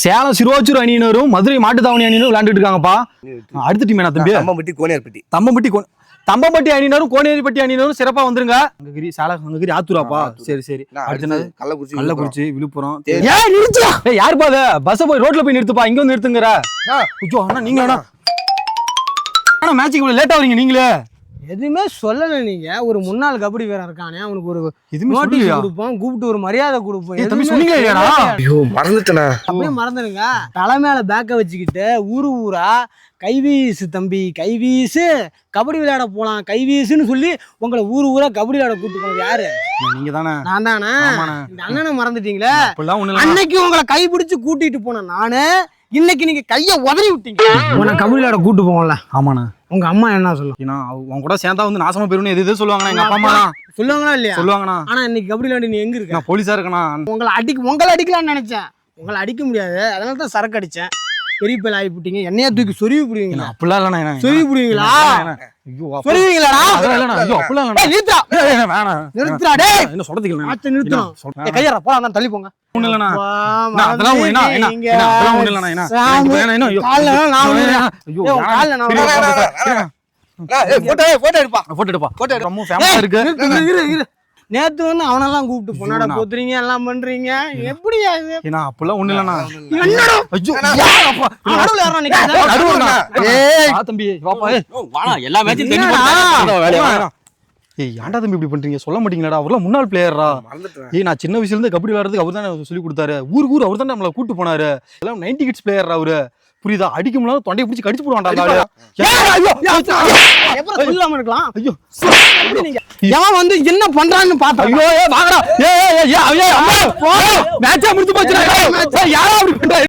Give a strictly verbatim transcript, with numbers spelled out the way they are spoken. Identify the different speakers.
Speaker 1: சேலம் சிறுவாச்சூர் அணியினரும் மதுரை மாட்டுத்தாவணி அணியினரும் விளையாண்டுட்டு இருக்காங்கப்பா. அடுத்த டீம் என்ன தம்பி?
Speaker 2: தம்பம்பட்டி கோனேரிப்பட்டி.
Speaker 1: தம்பம்பட்டி தம்பம்பட்டி அணியினரும் கோனேரிப்பட்டி அணியினரும் சிறப்பா வந்துருங்க. அங்ககிரி சேலம் அங்ககிரி ஆத்தூராப்பா. சரி சரி. அடுத்து
Speaker 2: கள்ளக்குறிச்சி
Speaker 1: கள்ளக்குறிச்சி விழுப்புரம். ஏய் நிறுத்துடா. ஏய் யாருப்பா அது? பஸ் போய் ரோட்ல போய் நிறுத்துப்பா. இங்க வந்து நிறுத்துங்கற. ஐயோ அண்ணா நீங்க அண்ணா. அண்ணா மேட்சுக்கு இவ்வளவு லேட்டா வரீங்க நீங்களே.
Speaker 3: எதுவுமே சொல்லல நீங்க. ஒரு முன்னாள் கபடி வீரர் இருக்கானே அவனுக்கு ஒரு நோட்டீஸ் கொடுப்போம், கூப்பிட்டு ஒரு மரியாதை கொடுப்போம்.
Speaker 1: எதுவுமே சொன்னீங்க இல்லையாடா?
Speaker 2: ஐயோ மறந்துட்டேனா.
Speaker 3: அப்படியே மறந்துடுங்க. தலை மேல பேக்க வச்சுக்கிட்டு ஊரு ஊரா கைவீசு தம்பி கைவீசு கபடி விளையாட போலாம் கைவீசுன்னு சொல்லி உங்களை ஊரு ஊரா கபடி விளையாட கூப்பிட்டு போனது யாரு?
Speaker 1: நீங்க தானே.
Speaker 3: நான் தானே. இந்த அண்ணனை மறந்துட்டீங்களே.
Speaker 1: அப்பெல்லாம்
Speaker 3: அன்னைக்கு உங்களை கை பிடிச்சு கூட்டிட்டு போன நானு, இன்னைக்கு நீங்க கைய உதறி விட்டீங்க. உன்னை கபடி விளையாட கூட்டு போவோம்ல.
Speaker 1: ஆமாண்ணா.
Speaker 3: உங்க அம்மா என்ன சொல்லும்?
Speaker 1: அவங்க கூட சேர்ந்தா வந்து நாசமா போயிருன்னு எது எது சொல்லுவாங்கண்ணா. எங்க அப்பா அம்மா
Speaker 3: சொல்லுவாங்களா இல்லையா?
Speaker 1: சொல்லுவாங்கண்ணா.
Speaker 3: ஆனா இன்னைக்கு கபடி விளையாடி நீ எங்க இருக்க?
Speaker 1: நான் போலீஸா இருக்கேண்ணா.
Speaker 3: உங்களை அடிக்க உங்களை அடிக்கலாம்னு நினைச்சேன். உங்களை அடிக்க முடியாது, அதனால தான் சரக்கு அடிச்சேன். பெரிய பேர் ஆகி போட்டீங்க. என்னையா தூக்கி சொருவி புடுவீங்களா?
Speaker 1: அப்படிலாம் இல்லண்ணா.
Speaker 3: சொருவி புடுவீங்களா?
Speaker 1: ஐயோ
Speaker 3: சொருவீங்களாடா?
Speaker 1: அதெல்லாம் இல்லண்ணா. ஐயோ அப்படிலாம் இல்லண்ணா.
Speaker 3: நிறுத்துடா.
Speaker 1: வேணாம்
Speaker 3: நிறுத்துடா டேய்.
Speaker 1: என்ன சொல்றதுக்கு
Speaker 3: ஆத்த நிறுத்தணும். ஏய் கையற போடா, நான் தள்ளி போங்க.
Speaker 1: ஒண்ணு இல்லண்ணா. நான் அதெல்லாம் ஒண்ணு என்ன என்ன என்ன அதெல்லாம் ஒண்ணு இல்லண்ணா. என்ன என்ன என்ன ஐயோ
Speaker 3: கால்ல நான் விழுறேன்.
Speaker 1: ஐயோ
Speaker 3: ஏய் கால்ல நான் விழுறேன்.
Speaker 2: ஏய் போட்டோ போட்டோ எடுப்பா.
Speaker 1: போட்டோ எடுப்பா. போட்டோ எடுப்பா. ரொம்ப ஃபேமஸா இருக்கு.
Speaker 3: இரு இரு. நேத்து வந்து அவனெல்லாம் கூப்பிட்டு பொண்ணாட போத்துறீங்க எல்லாம் பண்றீங்க. எப்படியா இது?
Speaker 1: ஏனா அப்பலாம் ஒண்ணு இல்லண்ணா.
Speaker 3: என்னடா?
Speaker 1: ஐயோ
Speaker 3: யாரப்பா? நடுவுல யாரா நிக்குது?
Speaker 1: நடுவுலண்ணா.
Speaker 3: ஏய்
Speaker 1: வா தம்பி வாப்பா. ஏய்
Speaker 4: வாடா எல்லா மேட்சும் தெரிஞ்சு போடா வேலைய வாடா.
Speaker 1: ஏய் ஏன்டா தம்பி இப்படி பண்றீங்க? சொல்ல மாட்டீங்களாடா? அவர்லாம் முன்னாள் பிளேயர்ரா.
Speaker 2: மறந்துட்டேன்.
Speaker 1: ஏய் நான் சின்ன வயசுல இருந்து கபடி விளையாடுறதுக்கு அவர் தானே சொல்லி கொடுத்தாரு. ஊருக்கு ஊர் அவர் தான் நம்மள கூட்டி போனாரு. எல்லாம் நைன்டி கிட்ஸ் பிளேயர்ரா அவரு. புரியுதா? அடிக்க முடியல தொண்டையை பிடிச்சி கடிச்சு போடுவான்டா அந்த ஆளு.
Speaker 3: எப்பறம் சொல்லாம இருக்கலாம்?
Speaker 1: ஐயோ
Speaker 3: நீங்க எவன் வந்து என்ன பண்றான்னு பார்த்தா
Speaker 1: ஐயோ ஏய் வாங்கடா. ஏய் ஏய் ஏய் ஏய் அம்மா மேட்சா முடிஞ்சு போச்சுடா. யாரா அப்படி பண்றா?